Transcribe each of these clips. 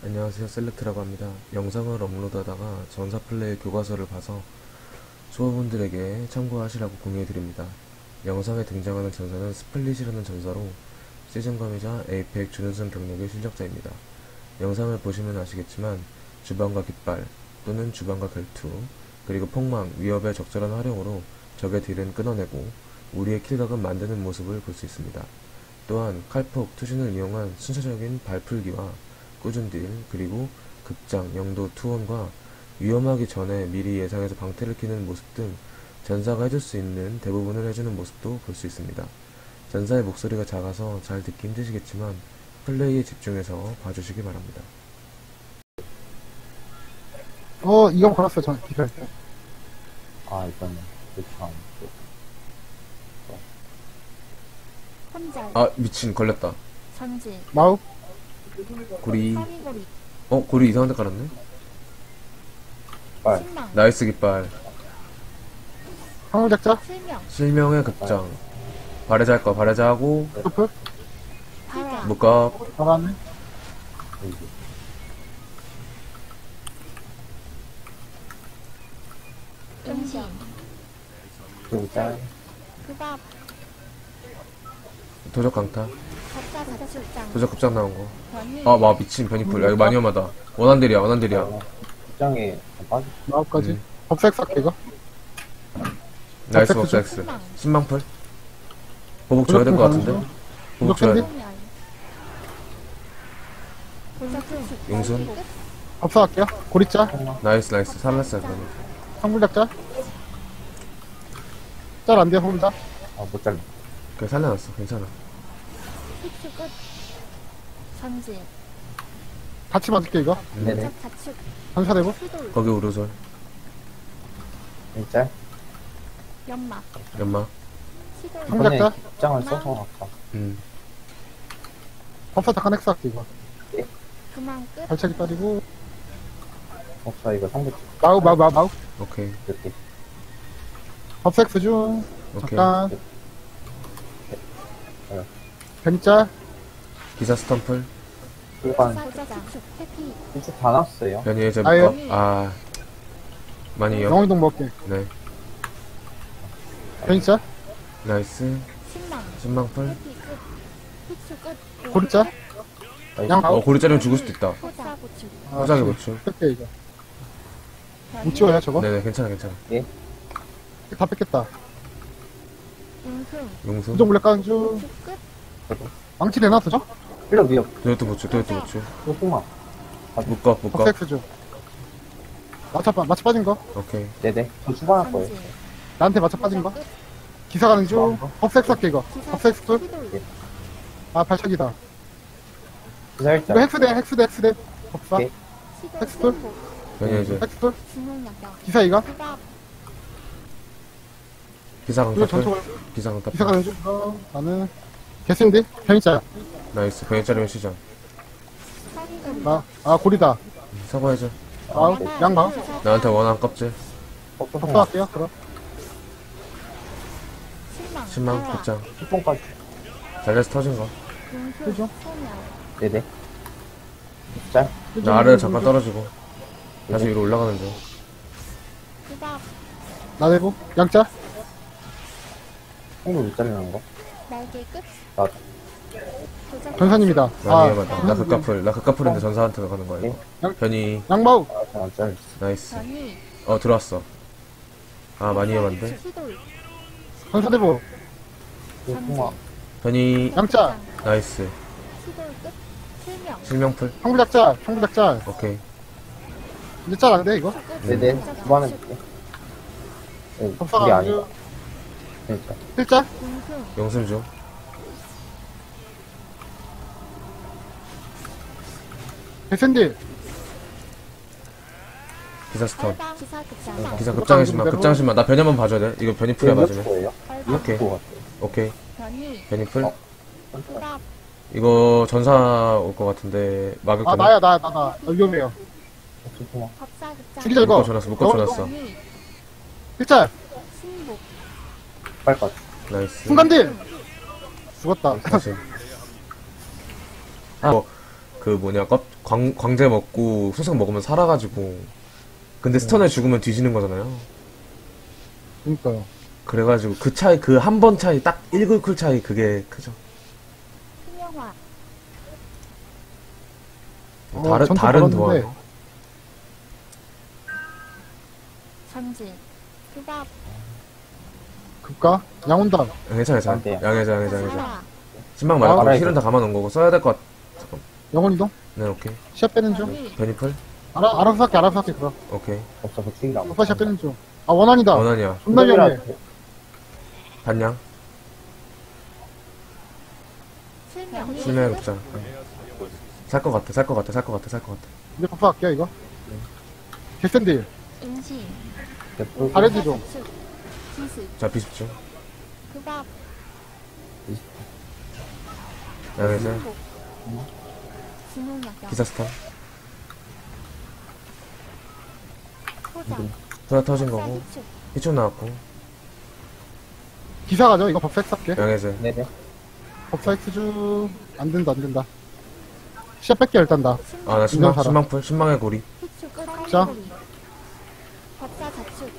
안녕하세요, 셀렉트라고 합니다. 영상을 업로드하다가 전사 플레이 교과서를 봐서 초보분들에게 참고하시라고 공유해드립니다. 영상에 등장하는 전사는 스플릿이라는 전사로 시즌검이자 에이펙 준우승 경력의 실력자입니다. 영상을 보시면 아시겠지만 주방과 깃발 또는 주방과 결투 그리고 폭망, 위협의 적절한 활용으로 적의 딜은 끊어내고 우리의 킬각은 만드는 모습을 볼 수 있습니다. 또한 칼폭, 투신을 이용한 순차적인 발풀기와 꾸준 딜, 그리고 극장, 영도, 투혼과 위험하기 전에 미리 예상해서 방패를 키는 모습 등 전사가 해줄 수 있는 대부분을 해주는 모습도 볼 수 있습니다. 전사의 목소리가 작아서 잘 듣기 힘드시겠지만 플레이에 집중해서 봐주시기 바랍니다. 이거 걸었어요, 저, 기절 때. 이거는 그렇게 안 돼. 혼자 아, 미친, 걸렸다. 전지 마우, 고리. 사기고리 고리 이상한 데 깔았네? 빨. 신망 나이스 깃발. 항물작자, 실명 실명의 극장. 발해자할 거 발해자하고 토프, 바라 묶어. 나가네. 여기. 음식 그리고 짤. 그밥 도적 강타. 적자 자출장 도적 급장 나온 거. 변일 아, 와, 미친 변이풀. 야, 이거 많이 험하다. 원한딜이야, 원한딜이야. 입장에 빠지. 마우까지. 음. 법색 삭 이거. 나이스 perfect 법스 X. 신망 신망풀. 보복 줘야 될 것 같은데? 보복 줘야 돼. 소멸 골자풀 용순. 법사할게요. 고리자, 나이스, 나이스. 살았어요, 그러면. 항물작자. 짤 안 돼요, 항물자. 못 잘라. 그래, 살려놨어. 괜찮아. 픽스 끝 전지 같이 맞을게, 이거. 네네. 적 자축 전사대고. 수돌 거기 우르솔. 짤. 연막 연마. 시돌 한 작자? 입장을 써서 할까. 법사 잠깐 엑스 할게, 이거. 그만 끝 발차기 빠지고. 없어, 이거 상대 마우. 오케이. 이렇게. 법색 중. 오케이. 잠깐. 네. 뱀짤, 기사 스탬플. 일반 사자 축 해피 일찍 다 났어요. 변이 해제 아유. 묶어. 아. 많이요. 영웅이동 먹게. 네. 뱀짤, 나이스. 신망 신망풀. 해피 끝 픽스 끝 고리자, 양 마우. 고리 자르면 죽을 수도 있다. 호자 고축 화작의 고추. 뺄게, 이거. 못 찍어요, 저거? 네네, 괜찮아, 괜찮아. 다 뺐겠다. 용승 용수. 부정 물레 까는 중. 축 끝 망치 내놨어, 저? 필러 위협. 도요토 고추, 도요토 고추. 소풍만. 묶어, 묶어. 법색 중. 마차 빠진 거. 오케이. 네네. 저 수반할 거예요. 전지 나한테 맞춰 빠진 거. 끝 기사 가는 중. 법색 삭게, 이거. 기사 법색 스툴. 시돌 아, 발차기다. 기사 이거 일자. 헥스대. 법사. 오케이. 시돌 텍스트? 승복 변이 해제. 헥스툴. 진홍약력 기사 이가. 그밥 기사 이거 강타풀. 전투 기사 기사 강타풀. 가는 중. 나는 개스인데? 편의자야. 나이스. 변이 자르면 시작. 사기고리 고리다. 사과 해제. 양마. 나한테 원한 껍질. 소풍만. 법사할게요, 그럼. 신망 신망, 바라, 극장. 소풍까지. 잘려서 터진 거. 용수 그죠? 소멸 네네. 짤. 나 아래로 잠깐 떨어지고. 다시 위로 올라가는 중. 그밥 나대고. 양자. 홍도 못 잘리는 거. 날개 끝 나. 도적 전사님이다. 많이 위험하다. 나 극가풀. 나 극가풀인데 전사한테 가는 거야, 이거. 양- 변이. 양마우. 잘안 잘렸어. 나이스. 변이 들어왔어. 아, 많이 위험한데? 시돌 전사대보. 소풍만. 변이. 양자. 나이스. 시돌 끝 실명 실명풀. 항구작자. 오케이. 이제 짤 안 돼, 이거? 네네. 수반해 볼게. 네, 법사가 이게 안 아니야. 중. 그러니까. 필자. 용승 용숨 중. 개샌디. 기사 스턴. 빨방 기사 급장 기사 급장의 급장신만. 나 변이만 봐줘야 돼. 이거 변이 풀에 맞으면. 거예요. 빨방 오케이. 그거 같아요. 오케이. 변이 변이 풀. 그밥 이거 전사 올 것 같은데 막을 아, 거네. 나 위험해요. 소풍만. 법사 급장 죽이자, 이거. 묶어 줘놨어. 변이 필자. 신복 빨것. 나이스. 순간딜. 죽었다. 다시. 그 뭐냐, 광제 먹고 수석 먹으면 살아가지고. 근데 스턴에 죽으면 뒤지는 거잖아요. 그니까요. 그래가지고 그 차이, 그 한 번 차이, 딱 1글쿨 차이, 그게 크죠. 투명화. 전투 다른 걸었는데. 도안. 전진. 투박. 급가? 양 온다. 괜찮아, 괜찮아. 안 돼요. 양해자. 살아. 신망 말고 알아야 힐은 돼. 다 감아놓은 거고 써야 될 것 같. 잠깐. 영혼 이동? 네, 오케이. 시야 빼는 중. 베니플? 알아서 할게, 그럼. 오케이. 없어서 죽이라고. 오빠 시야 빼는 중. 아, 원한이다. 원한이야. 존나 위험해. 반냥. 실명. 실명의 급장. 살 것 같아. 이제 법사할게요, 이거. 개센딜. 인신. 잘해지 좀. 기습. 자, 비습중. 투박. 양해자. 신복. 진홍약경. 기사 스턴. 포장. 소나 터진 거고. 사기축. 희축 나왔고. 기사 가죠, 이거 법사 X 할게. 양해자. 네네. 법사 X 중. 안 된다. 시야 뺄게, 일단 나. 아, 나 신망, 살아. 신망풀. 신망의 고리. 희축. 자. 사기고리. 법사 자축.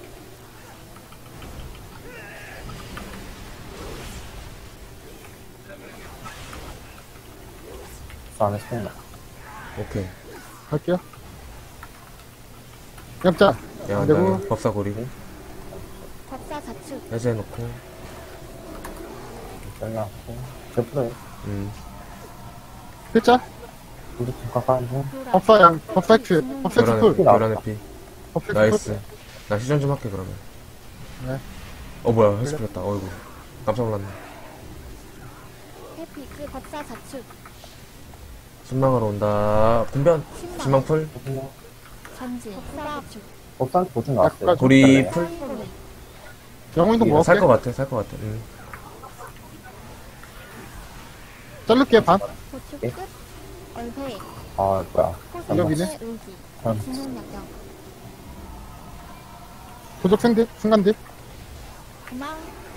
저 안에 스톤 나. 오케이. 갈게요. 얌짜. 양, 그리고- 양해. 법사 고리. 법사 자축. 해제해놓고. 잘라고. 저 풀어요. 글자. 우리 좀 가까운 중. 교란. 법사 양, 법사 X, 법사 X 교란의 풀. 피. 교란의 피. 법사 X 나이스. 풀. 나 시전 좀 할게, 그러면. 네. 뭐야. 헬스 풀렸다. 어이구. 깜짝 놀랐네. 해피. 법사 자축. 신망으로 온다. 분변. 신망풀. 전진. 법사 자축. 법사한테 보증 나왔어요. 약간 고리 풀. 사기고리. 영혼 이동 살 것 먹을게. 같아, 살 것 같아. 자를게, 반. 고축 예? 끝. 얼회. 아, 뭐야. 여기네? 의기. 음. 진홍약경. 도적 생딜, 순간딜. 그망.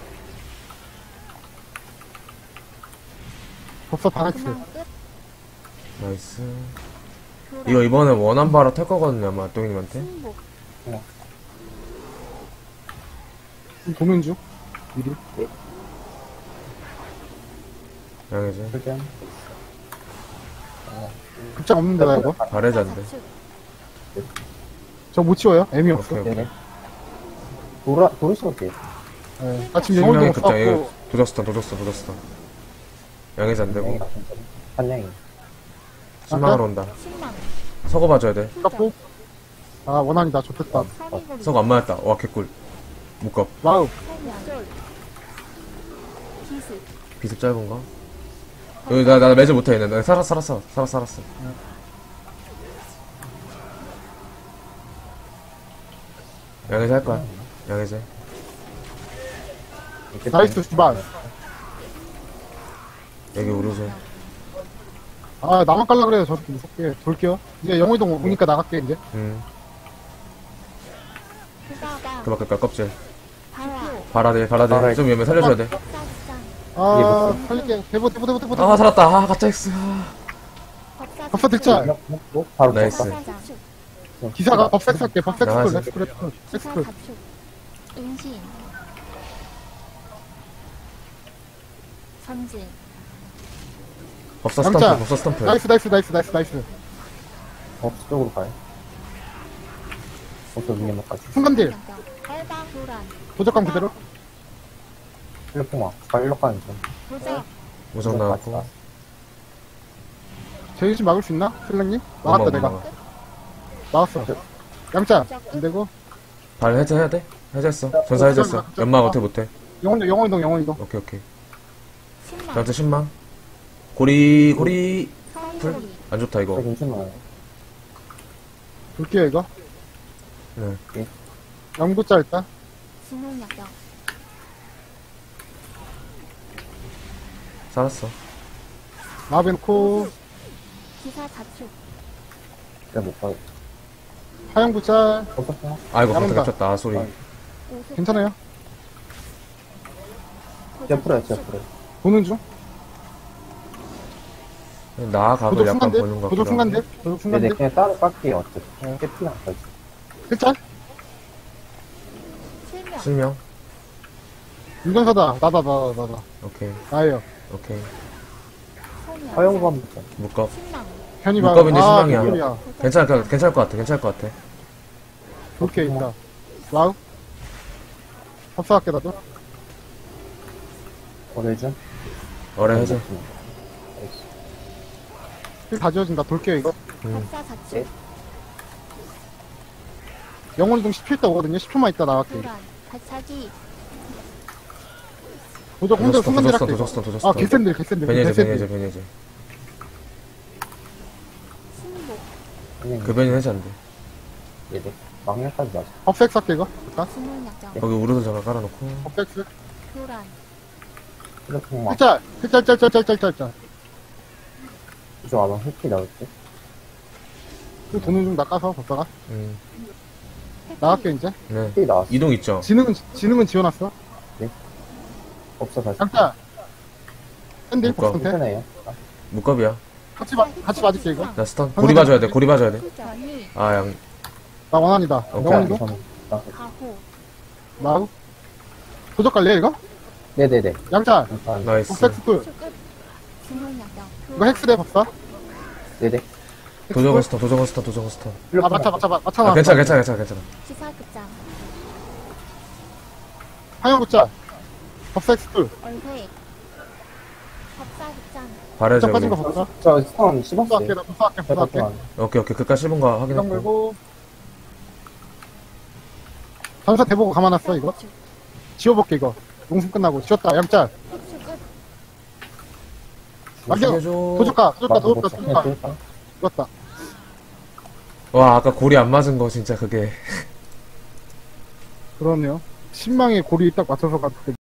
법사 반 X. 그망 끝. 나이스. 교란. 이거 이번에 원한 바로 탈 거거든요, 아마, 똥님한테. 신복. 도면 중. 미리. 양해제. 풀전. 급장 없는데, 나 이거. 바래자인데. 자축. 저 못 치워요. 애미 없어. 오케이, 오케이. 네네. 도르시면 돼요. 네. 나 지금 영혼 신명의 이동 급장, 이거 없고. 도적스턴. 양해제 안 되고. 한량이. 신망으로 온다. 신망. 서거 봐줘야 돼. 깎고. 아, 원한이다. 좋겠다. 사기고리. 서거 안 맞았다. 와, 개꿀. 묶어. 와우. 설명. 기습. 비습 짧은 거. 여기 나 매주 못해, 있네. 나 살았어. 양해제 할 거야. 양해제. 나이스, 주반. 여기 우르즈. 아, 나만 깔라 그래요. 저렇게 무섭게. 돌게요. 이제 영혼 이동 오니까 나갈게, 이제. 후가가. 그 밖에 껍질. 발표. 바라데. 바라데. 좀 위험해. 살려줘야 돼. 법사시장. 아, 살릴게. 대보. 아, 살았다. 아, 가짜 X. 법사 득자. 바로 나이스. 법사. 자축. 기사가 법사 할게. 법사 나가지. 엑스쿨, 엑스쿨. 기사 엑스쿨. 자축. 인신. 전진. 법사 양자. 스탬프. 나이스. 법사 쪽으로 가요. 법사 위에 막까지. 순간딜. 빨방 교란. 도적감 그대로. 일로풍아. 일로 가는 중. 도적. 우선 나왔고. 제일 좀 막을 수 있나? 슬랭님? 막았다, 내가. 막았어. 양자. 안 되고. 발 해제해야 돼? 해제했어. 전사 해제했어. 연막 못해. 영혼 이동. 오케이. 신망. 전체 신망. 고리. 사기고리. 안 좋다, 이거. 괜찮아요. 볼게요, 이거. 네. 영구자 일단. 진홍약경. 살았어. 마벤코. 기사 자축. 내가 못 가요. 하영구자. 법사 아이고, 남은다. 방패 갇혔다. 아, 소리. 오수. 괜찮아요. 제가 풀어요. 보는 중. 나각을 도적 약간 순간대? 보는 것 도적 같기도 순간대? 하고. 도적 네네, 순간대? 그냥 따로 깎게요. 어차피. 그냥 깨트는 안 가지. 일짤? 실명. 실명? 운전사다. 나다. 오케이, 나예요. 오케이. 소명. 허용부 한 번. 묶업. 신망. 편이 물감인데 실망이야. 물감이야. 괜찮을 것 같아. 오케이, 있다. 와우. 합사할게, 나도. 오래준? 어래 해제. 힐다 지워진다. 돌게요, 이거. 법사 자축. 영혼 이동 10초 있다 오거든요. 10초만 있다 나갈게. 교란. 발차기. 도적 혼자 순간대 할게. 도적스턴. 아, 개센들. 베니에제. 신복. 그냥 그 베니 해제 안 돼. 얘네. 막내까지 맞아. 업섹스 할게, 이거. 일단. 진홍약경. 거기 우르드 잠깐 깔아놓고. 업섹스. 교란. 휴대폰만. 일짤. 이쪽 와봐. 흑기 나올게. 그 도는 중 낚아서 법사가. 회피. 나갈게, 이제. 네. 흑기 나왔어. 이동 있죠? 지능은 지워놨어. 없어, 다시. 양짤. 샌들, 묶어. 법사한테. 괜찮아요. 묶업이야. 같이 맞을게, 이거. 나 스턴. 고리 봐줘야 돼. 변이. 아, 양. 나 원한이다. 오케이. 영혼 이동. 저는. 가호. 나우. 도적 갈래, 이거? 네네네. 양짤. 일단, 나이스. 업섹스 쿨. 출끝. 진홍약경. 이거 헥스대 법사. 네네. 도적은 스턴. 아, 맞춰. 아, 괜찮아. 기사극장. 황영구짤. 업섹스 쿨. 얼회. 법사극장. 발해제 도적 빠진 우리. 거 법사. 저 스톤 법사할게, 씹었어요. 나 법사할게. 오케이. 끝까지 씹은 거 이런 확인했고. 걸고. 전사 대보고 감아놨어, 이거. 자축. 지워볼게, 이거. 용숨 끝나고. 지웠다, 양짤. 출끝. 남겨. 해줘. 도적가. 그냥 뚫을까? 죽었다. 와, 아까 고리 안 맞은 거 진짜 그게. 그러네요. 신망의 고리 딱 맞춰서 갔을 때